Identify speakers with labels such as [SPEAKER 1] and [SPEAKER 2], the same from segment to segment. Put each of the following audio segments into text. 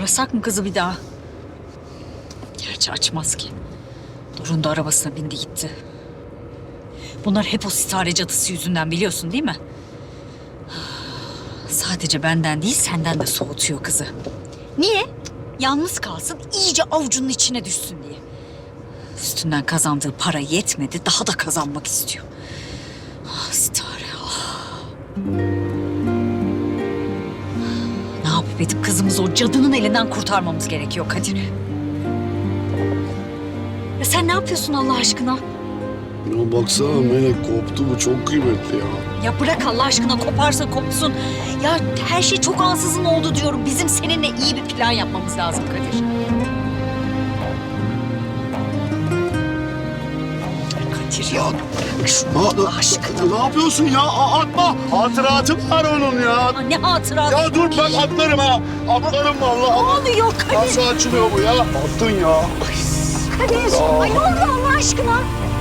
[SPEAKER 1] Arasak mı kızı bir daha? Gerçi açmaz ki. Doruk'un da arabasına bindi gitti. Bunlar hep o sitare cadısı yüzünden, biliyorsun değil mi? Sadece benden değil, senden de soğutuyor kızı. Niye? Yalnız kalsın, iyice avucunun içine düşsün diye. Üstünden kazandığı para yetmedi, daha da kazanmak istiyor. Ah sitare, ah. Ne yapıp edip kızımızı o cadının elinden kurtarmamız gerekiyor Kadir. Ya sen ne yapıyorsun Allah aşkına?
[SPEAKER 2] Ya baksana Melek, koptu, bu çok kıymetli ya.
[SPEAKER 1] Ya bırak Allah aşkına, koparsa kopsun. Ya her şey çok ansızın oldu diyorum. Bizim seninle iyi bir plan yapmamız lazım Kadir. Kadir ya. Bırak şunu Allah aşkına.
[SPEAKER 2] Ne yapıyorsun ya? Atma. Hatıratı var onun ya.
[SPEAKER 1] Aa, ne hatırat.
[SPEAKER 2] Ya dur bak, atlarım ha. Atlarım vallahi.
[SPEAKER 1] Ne oluyor Kadir?
[SPEAKER 2] Nasıl açılıyor bu ya? Attın ya.
[SPEAKER 1] Kadir. Ay ne oldu Allah aşkına?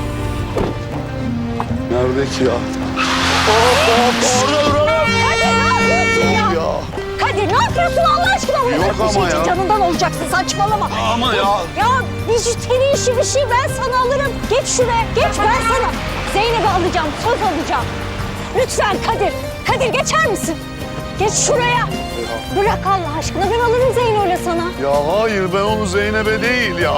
[SPEAKER 2] Nerede ki ya? Orada dur.
[SPEAKER 1] Kadir ne yapıyorsun ya?
[SPEAKER 2] Ya.
[SPEAKER 1] Kadir ne yapıyorsun Allah aşkına?
[SPEAKER 2] Yok ama ya.
[SPEAKER 1] Canından olacaksın, saçmalama.
[SPEAKER 2] Ama ya.
[SPEAKER 1] Ya bijuteri işi bir şey, ben sana alırım. Geç şuraya, geç ben sana. Zeynep'i alacağım, söz alacağım. Lütfen Kadir, Kadir geçer misin? Geç şuraya. Bırak Allah aşkına, ben alırım Zeyno'yla sana.
[SPEAKER 2] Ya hayır, ben onu Zeynep'e değil ya.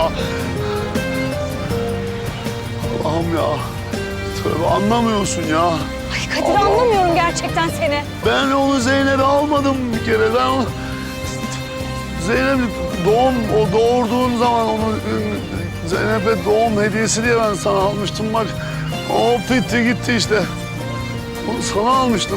[SPEAKER 2] Allah'ım ya. Tövbe, anlamıyorsun ya.
[SPEAKER 1] Ay Kadir anlamıyorum gerçekten seni.
[SPEAKER 2] Ben onu Zeynep'e almadım bir kere. Ben onu... Zeynep o doğurduğun zaman onu Zeynep'e doğum hediyesi diye ben sana almıştım bak. O bitti gitti işte. Onu sana almıştım.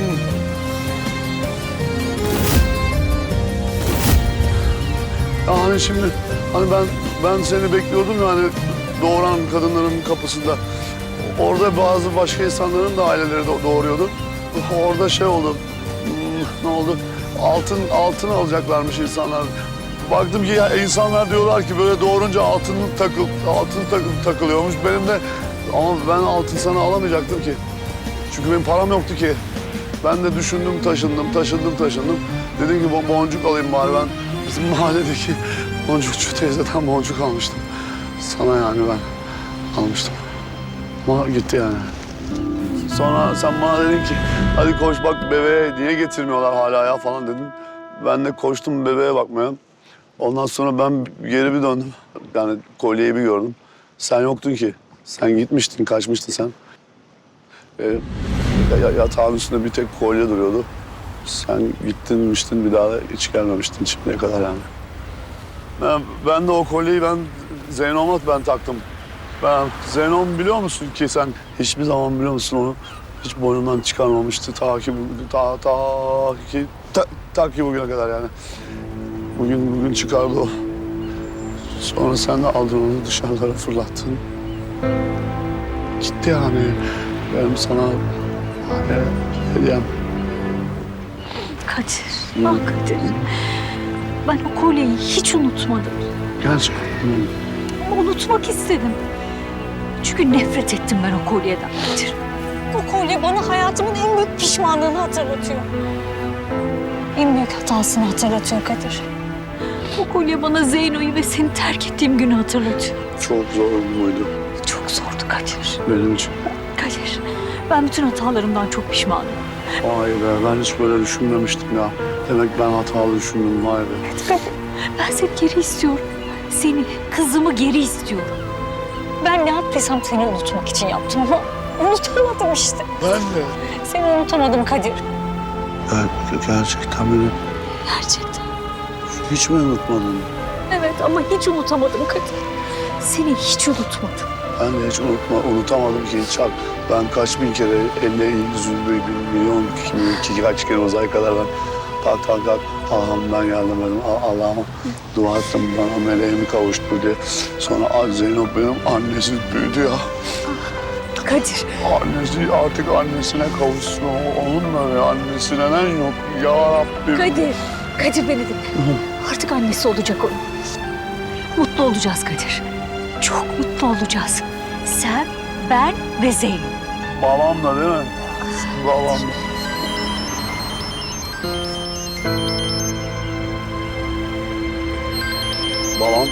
[SPEAKER 2] Yani şimdi hani ben seni bekliyordum ya, hani doğuran kadınların kapısında. Orada bazı başka insanların da aileleri doğuruyordu. Orada şey oldu. Ne oldu? Altın alacaklarmış insanlar. Baktım ki ya, insanlar diyorlar ki böyle doğurunca altın takılıyormuş. Benim de ama ben altın sana alamayacaktım ki. Çünkü benim param yoktu ki. Ben de düşündüm, taşındım. Dedim ki boncuk alayım bari ben. Bizim mahalledeki boncukçu teyzeden boncuk almıştım. Sana yani ben almıştım. Ama gitti yani. Sonra sen bana dedin ki hadi koş bak bebeğe niye getirmiyorlar hala ya falan dedin. Ben de koştum bebeğe bakmaya. Ondan sonra ben geri bir döndüm. Yani kolyeyi bir gördüm. Sen yoktun ki. Sen gitmiştin, kaçmıştın sen. Yatağın üstünde bir tek kolye duruyordu. Sen gittinmiştin, bir daha da hiç gelmemiştin şimdiye kadar yani. Ben de o kolyeyi Zeyno'ma taktım. Zeynom biliyor musun ki sen hiçbir zaman biliyor musun onu hiç boynundan çıkarmamıştı ta ki bugüne kadar yani. Bugün çıkardı o. Sonra sen de aldın onu dışarılara fırlattın. Gitti yani. Benim sana hediyem.
[SPEAKER 1] Kadir, bak Kadir. Ben o kolyeyi hiç unutmadım.
[SPEAKER 2] Gerçekten.
[SPEAKER 1] Ama unutmak istedim. Çünkü nefret ettim ben o kolyeden Kadir. O kolye bana hayatımın en büyük pişmanlığını hatırlatıyor. En büyük hatasını hatırlatıyor Kadir. O kolye bana Zeyno'yu ve seni terk ettiğim günü hatırlatıyor.
[SPEAKER 2] Çok zor muydu
[SPEAKER 1] Çok zordu Kadir.
[SPEAKER 2] benim için?
[SPEAKER 1] Kadir, ben bütün hatalarımdan çok pişmanım.
[SPEAKER 2] Vay be, ben hiç böyle düşünmemiştim ya. Demek ben hatalı düşündüm, vay be.
[SPEAKER 1] Kadir, ben seni geri istiyorum. Seni, kızımı geri istiyorum. Ben ne yaptıysam seni unutmak için yaptım ama unutamadım işte.
[SPEAKER 2] Ben de.
[SPEAKER 1] Seni unutamadım Kadir.
[SPEAKER 2] Gerçekten beni
[SPEAKER 1] Gerçekten.
[SPEAKER 2] hiç mi unutmadın?
[SPEAKER 1] Evet ama hiç unutamadım Kadir. Seni hiç unutmadım.
[SPEAKER 2] Ben de hiç unutamadım ki hiç. Ben kaç bin kere, 50, 100, 1 milyon, 2 milyon, kaç kere uzay kadar ben kalk. Allah'ım ben geldim dedim. Allah'ıma dua ettim bana meleğimi kavuştu diye. Sonra Zeynep benim annesi büyüdü ya.
[SPEAKER 1] Kadir.
[SPEAKER 2] Annesi artık annesine kavuşsun. Onunla ve annesi neden yok ya Rabbim.
[SPEAKER 1] Kadir beni dinle. Artık annesi olacak onun. Mutlu olacağız Kadir. Çok mutlu olacağız. Sen, ben ve Zeynep.
[SPEAKER 2] Babamla değil mi? Babamla. Babam.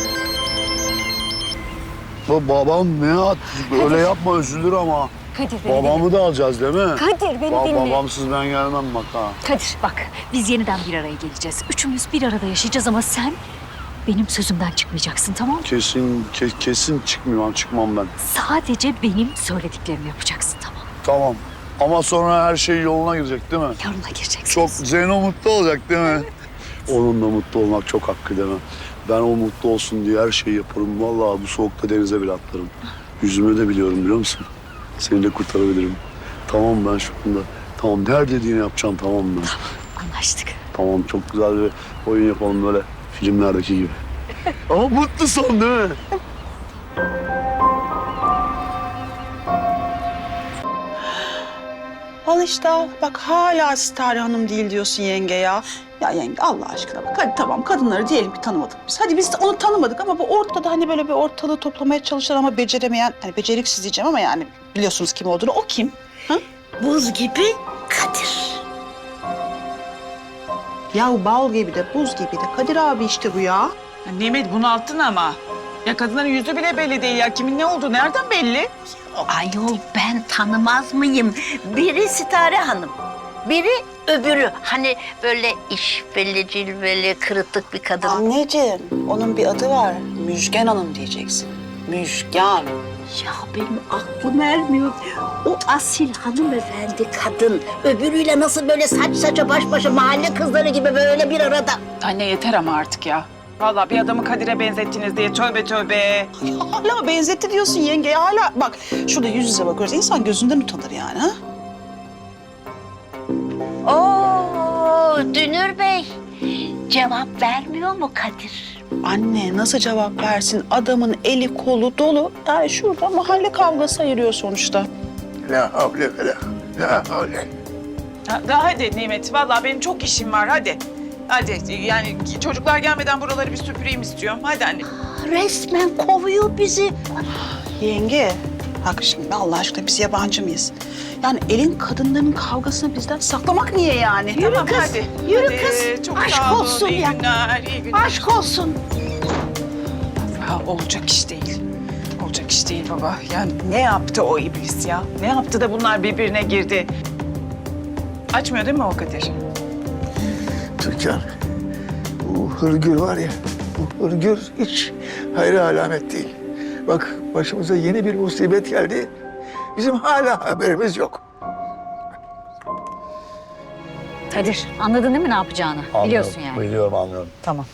[SPEAKER 2] Babam ne at? Öyle yapma, üzülür ama.
[SPEAKER 1] Kadir beni
[SPEAKER 2] Babamı da alacağız değil mi?
[SPEAKER 1] dinle. Kadir beni dinle.
[SPEAKER 2] Babamsız ben gelmem bak ha.
[SPEAKER 1] Kadir bak biz yeniden bir araya geleceğiz. Üçümüz bir arada yaşayacağız ama sen benim sözümden çıkmayacaksın, tamam mı?
[SPEAKER 2] Kesin çıkmam ben.
[SPEAKER 1] Sadece benim söylediklerimi yapacaksın, tamam mı?
[SPEAKER 2] Tamam. Ama sonra her şey yoluna girecek değil mi?
[SPEAKER 1] Yoluna gireceksin.
[SPEAKER 2] Çok Zeyno mutlu olacak değil mi? Onun da mutlu olmak çok hakkı değil mi? Ben o mutlu olsun diye her şeyi yaparım. Vallahi bu soğukta denize bile atlarım. Yüzümü de biliyorum biliyor musun? Seni de kurtarabilirim. Tamam ben şu anda. Tamam her dediğini yapacağım tamam mı?
[SPEAKER 1] Anlaştık.
[SPEAKER 2] Tamam çok güzel bir oyun yapalım böyle filmlerdeki gibi. Ama mutlu son değil mi?
[SPEAKER 3] Al işte al. Bak hala Sitare Hanım değil diyorsun yenge ya. Ya yenge Allah aşkına bak hadi tamam kadınları diyelim ki tanımadık biz. Hadi biz de onu tanımadık ama bu ortada hani böyle bir ortalığı toplamaya çalışan ama beceremeyen, hani beceriksiz diyeceğim ama yani biliyorsunuz kim olduğunu. O kim? Ha?
[SPEAKER 4] Buz gibi Kadir.
[SPEAKER 3] Ya bal gibi de buz gibi de Kadir abi işte bu ya.
[SPEAKER 5] Ya Nimet bunalttın ama. Ya kadınların yüzü bile belli değil ya. Kimin ne olduğu nereden belli?
[SPEAKER 4] Ayol ben tanımaz mıyım? Biri Sitare Hanım, biri öbürü. Hani böyle işveli, cilveli, kırıtık bir kadın.
[SPEAKER 3] Anneciğim onun bir adı var. Müjgan Hanım diyeceksin. Müjgan.
[SPEAKER 4] Ya benim aklım ermiyor. O asil hanımefendi kadın. Öbürüyle nasıl böyle saç saça baş başa mahalle kızları gibi böyle bir arada.
[SPEAKER 5] Anne yeter ama artık ya. Vallahi bir adamı Kadir'e benzettiniz diye tövbe tövbe.
[SPEAKER 3] Ya hala benzetti diyorsun yenge hala. Bak şurada yüz yüze bakıyoruz. İnsan gözünden utanır yani ha.
[SPEAKER 4] Oo Dünür Bey. Cevap vermiyor mu Kadir?
[SPEAKER 3] Anne nasıl cevap versin? Adamın eli kolu dolu. Yani şurada mahalle kavgası ayırıyor sonuçta.
[SPEAKER 2] La havle ve la havle.
[SPEAKER 5] Daha hadi Nimet. Vallahi benim çok işim var hadi. Hadi yani çocuklar gelmeden buraları bir süpüreyim istiyorum. Hadi anne.
[SPEAKER 4] Resmen kovuyor bizi.
[SPEAKER 3] Yenge, bak şimdi Allah aşkına biz yabancı mıyız? Yani elin kadınların kavgasını bizden saklamak niye yani?
[SPEAKER 4] Yürü
[SPEAKER 5] Tamam,
[SPEAKER 4] kız,
[SPEAKER 5] hadi.
[SPEAKER 4] yürü
[SPEAKER 5] Hadi,
[SPEAKER 4] kız.
[SPEAKER 5] Çok
[SPEAKER 4] Aşk
[SPEAKER 5] sağ olun.
[SPEAKER 4] olsun
[SPEAKER 5] İyi
[SPEAKER 4] ya.
[SPEAKER 5] günler, iyi günler.
[SPEAKER 4] Aşk olsun.
[SPEAKER 5] Ha, olacak iş değil. Olacak iş değil baba. Yani ne yaptı o iblis ya? Ne yaptı da bunlar birbirine girdi? Açmıyor değil mi o Kadir?
[SPEAKER 6] Türkan, bu hırgür var ya, bu hırgür hiç hayra alamet değil. Bak başımıza yeni bir musibet geldi. Bizim hala haberimiz yok.
[SPEAKER 1] Kadir anladın değil mi ne yapacağını? Biliyorsun yani.
[SPEAKER 2] Biliyorum anlıyorum.
[SPEAKER 1] Tamam.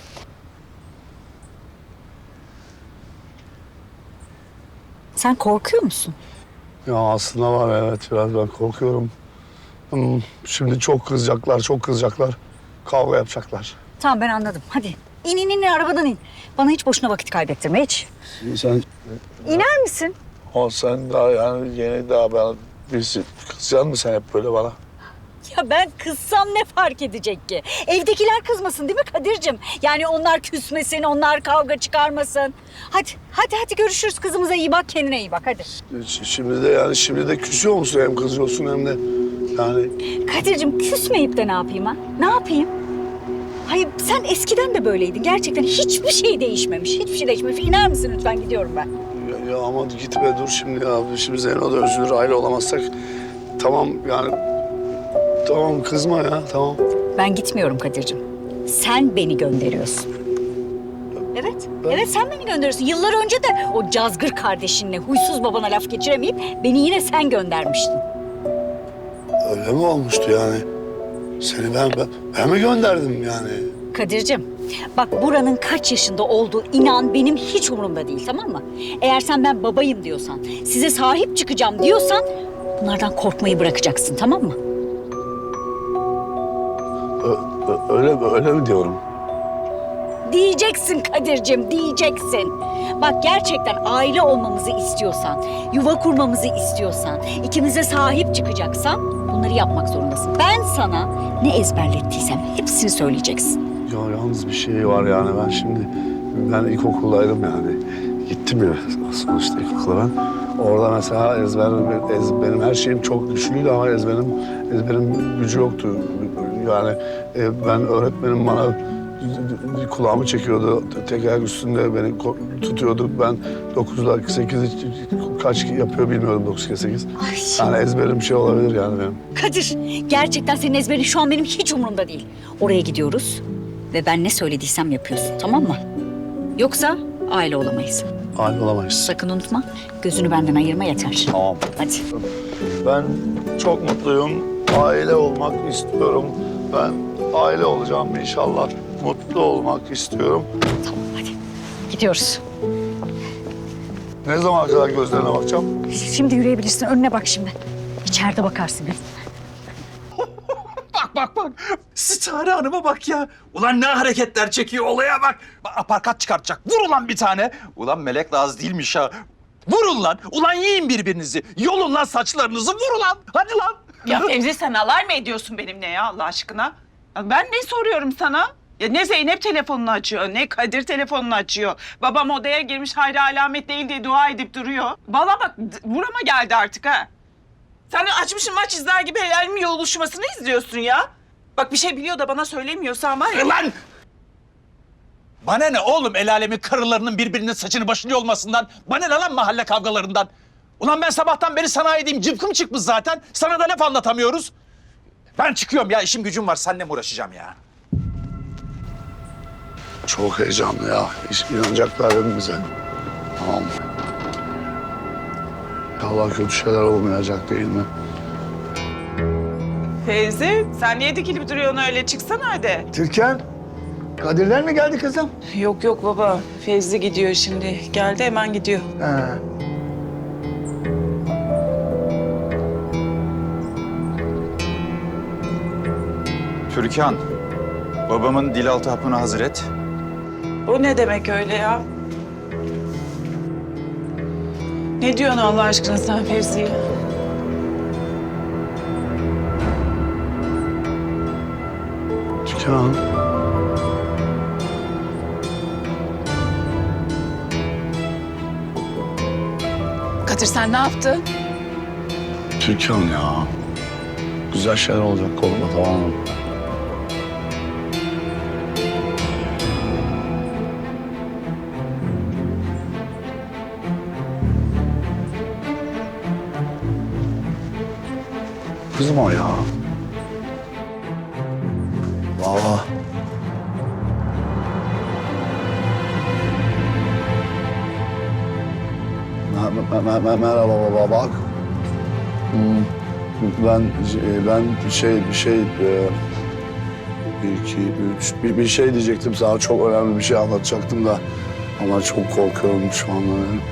[SPEAKER 1] Sen korkuyor musun?
[SPEAKER 2] Ya aslında var evet biraz ben korkuyorum. Şimdi çok kızacaklar. Kavga yapacaklar.
[SPEAKER 1] Tamam ben anladım. Hadi in arabadan in. Bana hiç boşuna vakit kaybettirme hiç.
[SPEAKER 2] Sen
[SPEAKER 1] İner misin?
[SPEAKER 2] sen daha yani yeni daha ben birisi kızacaksın mı sen hep böyle bana?
[SPEAKER 1] Ya ben kızsam ne fark edecek ki? Evdekiler kızmasın değil mi Kadir'cim? Yani onlar küsmesin, onlar kavga çıkarmasın. Hadi görüşürüz. Kızımıza iyi bak, kendine iyi bak hadi.
[SPEAKER 2] Şimdi de küsüyor musun hem kızıyorsun hem de yani.
[SPEAKER 1] Kadir'cim küsmeyip de ne yapayım ha? Ne yapayım? Hayır sen eskiden de böyleydin. Gerçekten hiçbir şey değişmemiş. Hiçbir şey değişmemiş. İner misin lütfen gidiyorum ben.
[SPEAKER 2] Ya ama gitme dur şimdi ya. Şimdi Zeyno da üzülür aile olamazsak. Tamam yani. Tamam kızma ya tamam.
[SPEAKER 1] Ben gitmiyorum Kadir'cim. Sen beni gönderiyorsun. Evet sen beni gönderiyorsun. Yıllar önce de o cazgır kardeşinle huysuz babana laf geçiremeyip beni yine sen göndermiştin.
[SPEAKER 2] Öyle mi olmuştu yani? Seni ben mi gönderdim yani?
[SPEAKER 1] Kadir'cim bak buranın kaç yaşında olduğu inan benim hiç umurumda değil tamam mı? Eğer sen ben babayım diyorsan, size sahip çıkacağım diyorsan bunlardan korkmayı bırakacaksın tamam mı?
[SPEAKER 2] Öyle mi diyorum?
[SPEAKER 1] Diyeceksin Kadir'cim, diyeceksin. Bak gerçekten aile olmamızı istiyorsan, yuva kurmamızı istiyorsan, ikimize sahip çıkacaksan bunları yapmak zorundasın. Ben sana ne ezberlettiysem hepsini söyleyeceksin.
[SPEAKER 2] Ya yalnız bir şey var yani ben ilkokuldaydım yani. Gittim ya sonuçta ilkokula ben. Orada mesela benim her şeyim çok güçlüydü ama ezberim gücü yoktu. Yani ben öğretmenim bana kulağımı çekiyordu. Tek ayak üstünde beni tutuyordu. Ben 9'da 8'i kaç yapıyor bilmiyorum 9 kere 8. Yani ezberim bir şey olabilir yani benim.
[SPEAKER 1] Kadir, gerçekten senin ezberin şu an benim hiç umurumda değil. Oraya gidiyoruz ve ben ne söylediysem yapıyorsun, tamam mı? Yoksa aile olamayız.
[SPEAKER 2] Aile olamayız.
[SPEAKER 1] Sakın unutma, gözünü benden ayırma yeter.
[SPEAKER 2] Tamam.
[SPEAKER 1] Hadi.
[SPEAKER 2] Ben çok mutluyum. Aile olmak istiyorum. Ben aile olacağım inşallah. Mutlu olmak istiyorum.
[SPEAKER 1] Tamam, hadi. Gidiyoruz.
[SPEAKER 2] Ne zamana kadar gözlerine bakacağım?
[SPEAKER 1] Şimdi yürüyebilirsin, önüne bak şimdi. İçeride bakarsın.
[SPEAKER 7] Bak. Sitare Hanım'a bak ya. Ulan ne hareketler çekiyor olaya bak. Aparkat çıkartacak. Vur ulan bir tane. Ulan melek Laz değilmiş ha. Vurun lan. Ulan yiyin birbirinizi. Yolun lan saçlarınızı. Vur ulan. Hadi lan.
[SPEAKER 5] Ya Fevzi sen alay mı ediyorsun benimle ya Allah aşkına? Ya ben ne soruyorum sana? Ya ne Zeynep telefonunu açıyor, ne Kadir telefonunu açıyor. Babam odaya girmiş hayra alamet değil diye dua edip duruyor. Valla bak burama geldi artık ha. Sen de açmışsın maç izler gibi helalimin yoluşmasını izliyorsun ya. Bak bir şey biliyor da bana söylemiyorsan var ya.
[SPEAKER 7] Lan! Bana ne oğlum el alemin karılarının birbirinin saçını başını yolmasından? Bana ne lan mahalle kavgalarından? Ulan ben sabahtan beri sanayideyim. Cıvkım çıkmış zaten. Sana da laf anlatamıyoruz. Ben çıkıyorum ya. İşim gücüm var. Seninle mi uğraşacağım ya?
[SPEAKER 2] Çok heyecanlı ya. İnanacaklar değil mi bize? Tamam. Allah kötü şeyler olmayacak değil mi?
[SPEAKER 5] Fevzi sen niye dikilip duruyorsun öyle çıksana hadi.
[SPEAKER 6] Türkan, Kadirler mi geldi kızım?
[SPEAKER 5] Yok baba Fevzi gidiyor şimdi. Geldi hemen gidiyor.
[SPEAKER 6] Ha.
[SPEAKER 8] Türkan, babamın dilaltı hapını hazır et.
[SPEAKER 5] O ne demek öyle ya? Ne diyorsun Allah aşkına sen Fevzi'ye?
[SPEAKER 2] Türkan.
[SPEAKER 5] Kadir sen ne yaptın?
[SPEAKER 2] Türkan ya. Güzel şeyler olacak korkma tamam mı? Kızım o ya. Valla. Merhaba baba bak. Ben bir şey diyecektim sana, çok önemli bir şey anlatacaktım da ama çok korkuyorum şu anda.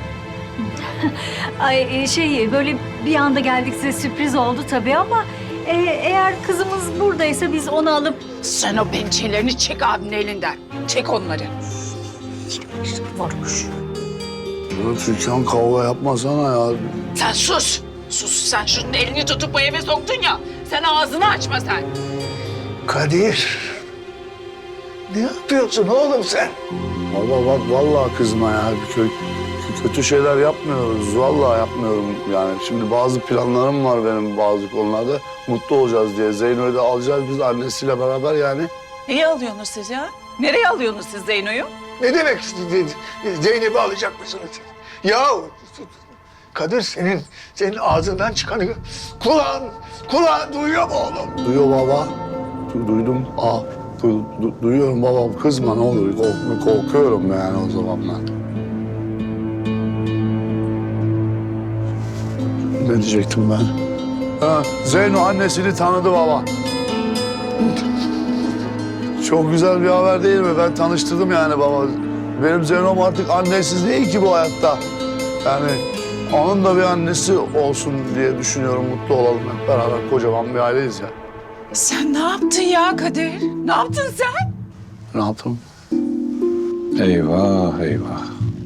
[SPEAKER 1] Ay böyle bir anda geldik, size sürpriz oldu tabii ama eğer kızımız buradaysa biz onu alıp...
[SPEAKER 5] Sen o pençelerini çek abinin elinden. Çek onları.
[SPEAKER 1] Varmış.
[SPEAKER 2] Ya Türkan kavga yapmasana ya.
[SPEAKER 5] Sen sus. Sus sen şunun elini tutup bu eve soktun ya. Sen ağzını açma sen.
[SPEAKER 6] Kadir, ne yapıyorsun oğlum sen?
[SPEAKER 2] Valla bak vallahi kızma ya. Kötü şeyler yapmıyoruz. Vallahi yapmıyorum yani. Şimdi bazı planlarım var benim bazı konularda. Mutlu olacağız diye. Zeyno'yu da alacağız biz annesiyle beraber yani.
[SPEAKER 5] Neyi alıyorsunuz siz ya? Nereye alıyorsunuz siz Zeyno'yu?
[SPEAKER 6] Ne demek Zeynep'i alacak mısınız? Ya Kadir senin ağzından çıkanı kulağın duyuyor mu oğlum?
[SPEAKER 2] Duyuyor baba. Duydum. Duyuyorum baba. Kızma ne olur. Korkuyorum yani o zaman ben. Ne diyecektim ben? Ha, Zeyno annesini tanıdı baba. Çok güzel bir haber değil mi? Ben tanıştırdım yani baba. Benim Zeyno'm artık annesiz değil ki bu hayatta. Yani onun da bir annesi olsun diye düşünüyorum. Mutlu olalım hep beraber. Kocaman bir aileyiz ya.
[SPEAKER 5] Sen ne yaptın ya Kadir? Ne yaptın sen?
[SPEAKER 2] Ne yaptım?
[SPEAKER 8] Eyvah eyvah.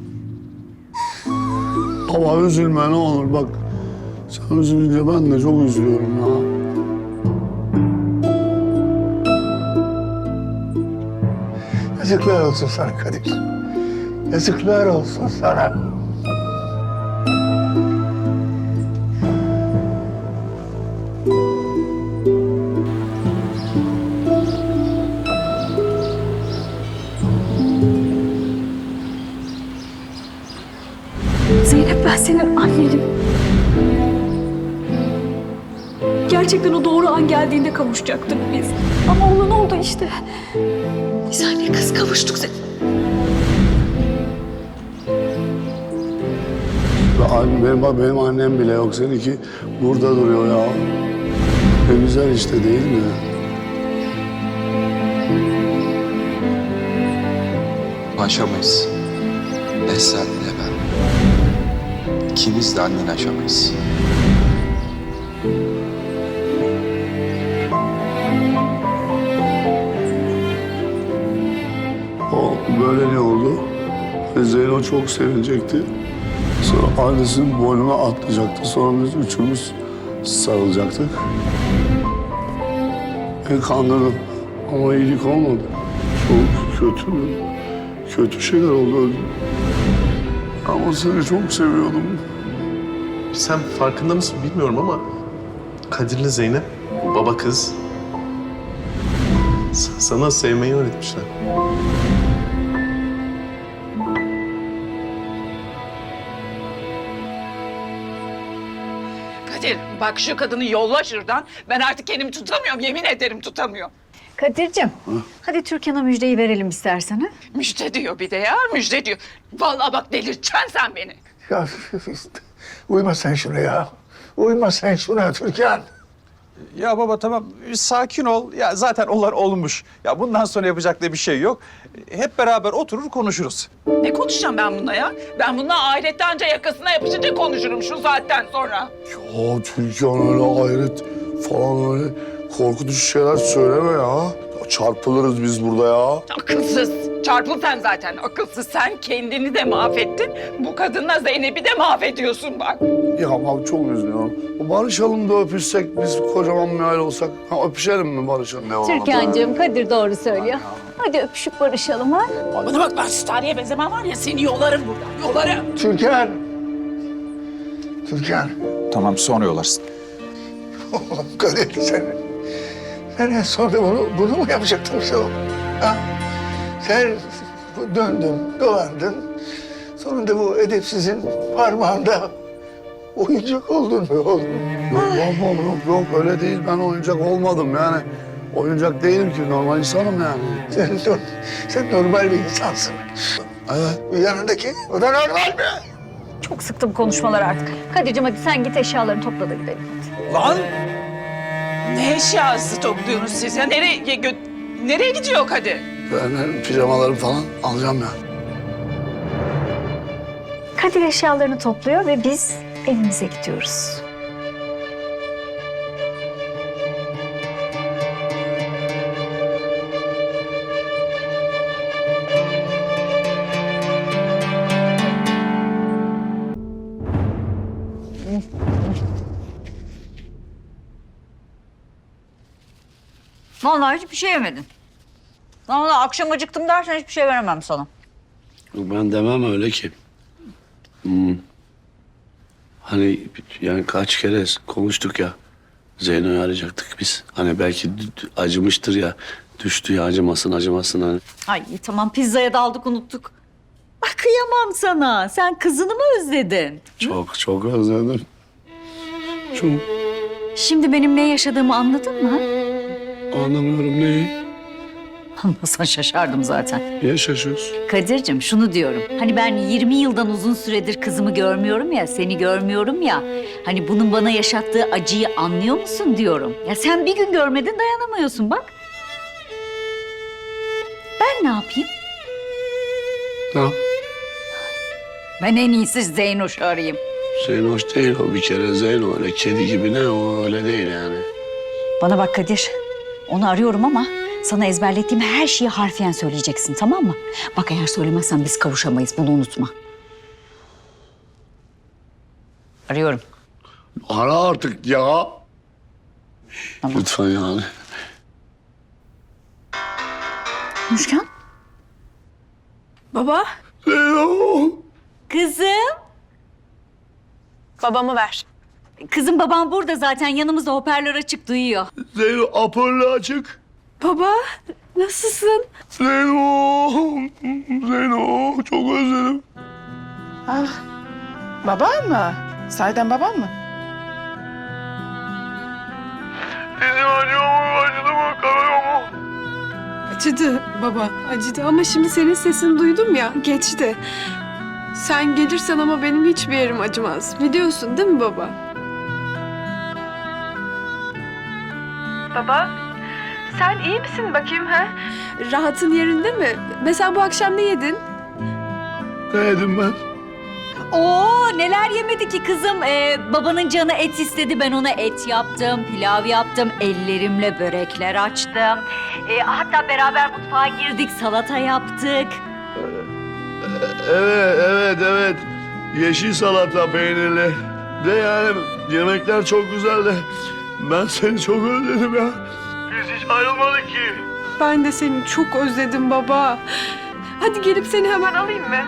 [SPEAKER 2] Baba üzülme ne olur bak. Sen üzülünce ben de çok üzülüyorum ya.
[SPEAKER 6] Yazıklar olsun sana Kadir. Yazıklar olsun sana.
[SPEAKER 1] senin annenim. Gerçekten o doğru an geldiğinde kavuşacaktık biz. Ama olan oldu işte. Biz anne kız kavuştuk.
[SPEAKER 2] Benim annem bile yok. Seninki burada duruyor ya. Ne güzel işte değil mi?
[SPEAKER 9] Aşamayız. Ne sen ne ben. İkimiz de anneni aşamayız.
[SPEAKER 2] O böyle ne oldu? Zeyno çok sevinecekti. Sonra annesinin boynuna atlayacaktı. Sonra biz üçümüz sarılacaktık. Kandırdım ama iyilik olmadı. Çok kötü şeyler oldu. Ama seni çok seviyordum.
[SPEAKER 10] Sen farkında mısın bilmiyorum ama Kadir'le Zeynep baba kız sana sevmeyi öğretmişler.
[SPEAKER 5] Kadir bak şu kadını yolla şuradan. Ben artık kendimi tutamıyorum. Yemin ederim tutamıyorum.
[SPEAKER 1] Kadir'cim, hadi Türkan'a müjdeyi verelim istersen. Ha?
[SPEAKER 5] Müjde diyor bir de ya. Müjde diyor. Vallahi bak delirteceksin sen beni.
[SPEAKER 6] Ya uyma sen şuna ya. Uyma sen şuna Türkan.
[SPEAKER 7] Ya baba tamam sakin ol. Ya zaten onlar olmuş. Ya bundan sonra yapacak da bir şey yok. Hep beraber oturur konuşuruz.
[SPEAKER 5] Ne konuşacağım ben bununla ya? Ben bununla ahirette anca yakasına yapışınca konuşurum şu saatten sonra.
[SPEAKER 2] Ya Türkan öyle hayret falan öyle korkutucu şeyler söyleme ya. Çarpılırız biz burada ya.
[SPEAKER 5] Akılsız. Çarpıl sen zaten. Akılsız. Sen kendini de mahvettin. Bu kadınla Zeynep'i de mahvediyorsun bak.
[SPEAKER 2] Ya bak çok üzülüyorum. Barışalım da öpüşsek biz kocaman bir aile olsak. Ha, öpüşelim mi barışalım? Ne olalım?
[SPEAKER 1] Türkan'cığım, Kadir doğru söylüyor. Hadi öpüşüp barışalım ha.
[SPEAKER 5] Bana bak ben Tarihe benzemem var ya seni yolarım buradan. Yolarım.
[SPEAKER 6] Türkan. Türkan.
[SPEAKER 8] Tamam sonra yollarsın.
[SPEAKER 6] Oğlum Kadir sen en sonunda bunu mu yapacaktın sen? Ha? Sen döndün, dolandın. Sonunda bu edepsizin parmağında oyuncak oldun mu oğlum?
[SPEAKER 2] Yok öyle değil. Ben oyuncak olmadım yani. Oyuncak değilim ki normal insanım yani.
[SPEAKER 6] Sen normal bir insansın.
[SPEAKER 2] Evet.
[SPEAKER 6] Yanındaki o da normal mi?
[SPEAKER 1] Çok sıktım konuşmalar artık. Kadir'cim hadi sen git eşyalarını topla da gidelim hadi.
[SPEAKER 5] Lan! Ne eşyası topluyorsunuz siz ya? Nereye gidiyor Kadir?
[SPEAKER 2] Ben pijamalarımı falan alacağım ya.
[SPEAKER 1] Kadir eşyalarını topluyor ve biz evimize gidiyoruz. Vallahi hiçbir şey yemedin. Vallahi akşam acıktım dersen hiçbir şey veremem sana.
[SPEAKER 2] Ben demem öyle ki. Hani yani kaç kere konuştuk ya. Zeyno'yu arayacaktık biz. Hani belki acımıştır ya. Düştü ya acımasın hani.
[SPEAKER 1] Ay tamam pizzaya daldık unuttuk. Bak kıyamam sana. Sen kızını mı özledin?
[SPEAKER 2] Çok özledim. Çok
[SPEAKER 1] Şimdi benim ne yaşadığımı anladın mı?
[SPEAKER 2] anlamıyorum neyi.
[SPEAKER 1] Anlasan şaşardım zaten.
[SPEAKER 2] Niye şaşıyorsun?
[SPEAKER 1] Kadir'cim şunu diyorum. Hani ben 20 yıldan uzun süredir kızımı görmüyorum ya, seni görmüyorum ya. Hani bunun bana yaşattığı acıyı anlıyor musun diyorum. Ya sen bir gün görmedin dayanamıyorsun bak. Ben ne yapayım?
[SPEAKER 2] Ne yap?
[SPEAKER 1] Ben en iyisi Zeynoş'u arayayım.
[SPEAKER 2] Zeyno hoş değil o bir kere. Zeyno öyle kedi gibi ne o öyle değil yani.
[SPEAKER 1] Bana bak Kadir. Onu arıyorum ama sana ezberlettiğim her şeyi harfiyen söyleyeceksin tamam mı? Bak eğer söylemezsen biz kavuşamayız bunu unutma. Arıyorum.
[SPEAKER 2] Ara artık ya.
[SPEAKER 1] Tamam.
[SPEAKER 2] Lütfen yani.
[SPEAKER 1] Müşkan.
[SPEAKER 11] Baba,
[SPEAKER 2] Zeyno.
[SPEAKER 1] Kızım.
[SPEAKER 11] babamı ver.
[SPEAKER 1] Kızım babam burada zaten yanımızda hoparlör açık duyuyor.
[SPEAKER 2] Zeyno apırlı açık.
[SPEAKER 11] Baba, nasılsın?
[SPEAKER 2] Zeyno. Zeyno çok özledim.
[SPEAKER 3] Baban mı? Sahiden baban mı?
[SPEAKER 2] Dizim acıyor mu? Acıdı mı? Kanıyor mu?
[SPEAKER 11] Acıdı baba, acıdı ama şimdi senin sesini duydum ya, geçti. Sen gelirsen ama benim hiçbir yerim acımaz. Biliyorsun değil mi baba? Baba, sen iyi misin bakayım ha? Rahatın yerinde mi? Mesela bu akşam ne yedin?
[SPEAKER 2] Ne yedim ben?
[SPEAKER 1] Oo neler yemedi ki kızım. Babanın canı et istedi. Ben ona et yaptım, pilav yaptım. Ellerimle börekler açtım. Hatta beraber mutfağa girdik, salata yaptık.
[SPEAKER 2] Evet. Yeşil salata peynirli. De yani yemekler çok güzeldi. Ben seni çok özledim ya. Biz hiç ayrılmadık ki.
[SPEAKER 11] Ben de seni çok özledim baba. Hadi gelip seni hemen alayım mı?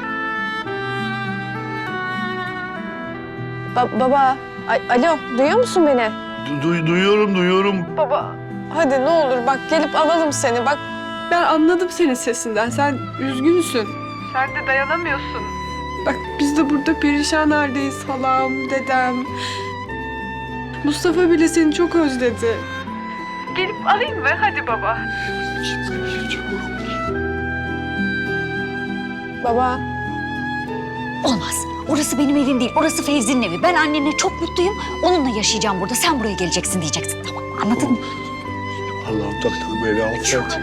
[SPEAKER 12] Baba, alo, duyuyor musun beni?
[SPEAKER 2] Duyuyorum.
[SPEAKER 12] Baba, hadi ne olur bak gelip alalım seni. Bak
[SPEAKER 11] Ben anladım senin sesinden. Sen üzgünsün. Sen de dayanamıyorsun. Bak biz de burada perişan haldeyiz halam, dedem. Mustafa bile seni çok özledi. Gelip alayım mı? Hadi baba.
[SPEAKER 12] baba,
[SPEAKER 1] Olmaz. Orası benim evim değil. Orası Fevzi'nin evi. Ben annenle çok mutluyum. Onunla yaşayacağım burada. Sen buraya geleceksin diyeceksin. Tamam mı? Anladın mı?
[SPEAKER 2] Allah'ım taktık beni affet.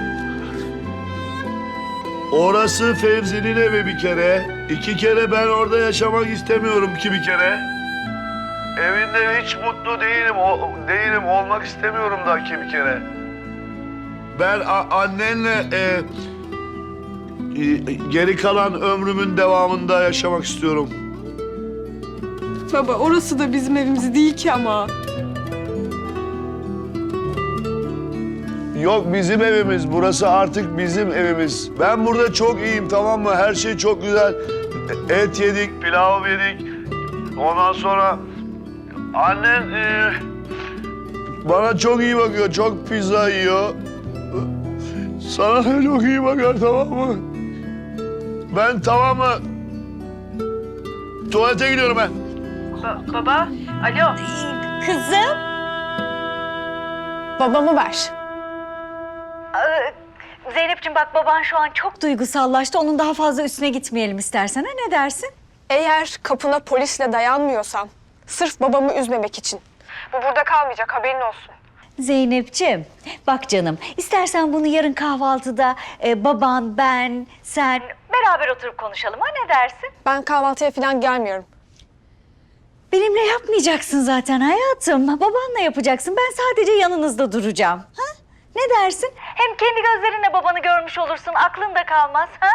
[SPEAKER 2] Orası Fevzi'nin evi bir kere. 2 kere ben orada yaşamak istemiyorum ki bir kere. Evinde hiç mutlu değilim. Olmak istemiyorum da ki bir kere. Ben annenle geri kalan ömrümün devamında yaşamak istiyorum.
[SPEAKER 11] Baba orası da bizim evimiz değil ki ama.
[SPEAKER 2] Yok bizim evimiz. Burası artık bizim evimiz. Ben burada çok iyiyim, tamam mı? Her şey çok güzel. Et yedik, pilav yedik. Ondan sonra annen bana çok iyi bakıyor. Çok pizza yiyor. Sana da çok iyi bakar, tamam mı? Ben tamam mı? Tuvalete gidiyorum ben.
[SPEAKER 11] Baba, alo.
[SPEAKER 1] Kızım.
[SPEAKER 12] babamı ver.
[SPEAKER 1] Zeynep'ciğim bak baban şu an çok duygusallaştı. Onun daha fazla üstüne gitmeyelim istersen. Ha, ne dersin?
[SPEAKER 12] Eğer kapına polisle dayanmıyorsan, sırf babamı üzmemek için. Bu burada kalmayacak, haberin olsun.
[SPEAKER 1] Zeynep'ciğim bak canım istersen bunu yarın kahvaltıda baban, ben, sen beraber oturup konuşalım. Ha, ne dersin?
[SPEAKER 12] Ben kahvaltıya falan gelmiyorum.
[SPEAKER 1] Benimle yapmayacaksın zaten hayatım. Babanla yapacaksın. Ben sadece yanınızda duracağım. Ha? Ne dersin? Hem kendi gözlerinle babanı görmüş olursun. Aklın da kalmaz. Ha?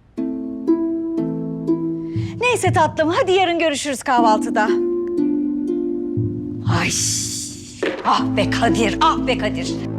[SPEAKER 1] Neyse tatlım. Hadi yarın görüşürüz kahvaltıda. Ay. Ah be Kadir. Ah be Kadir.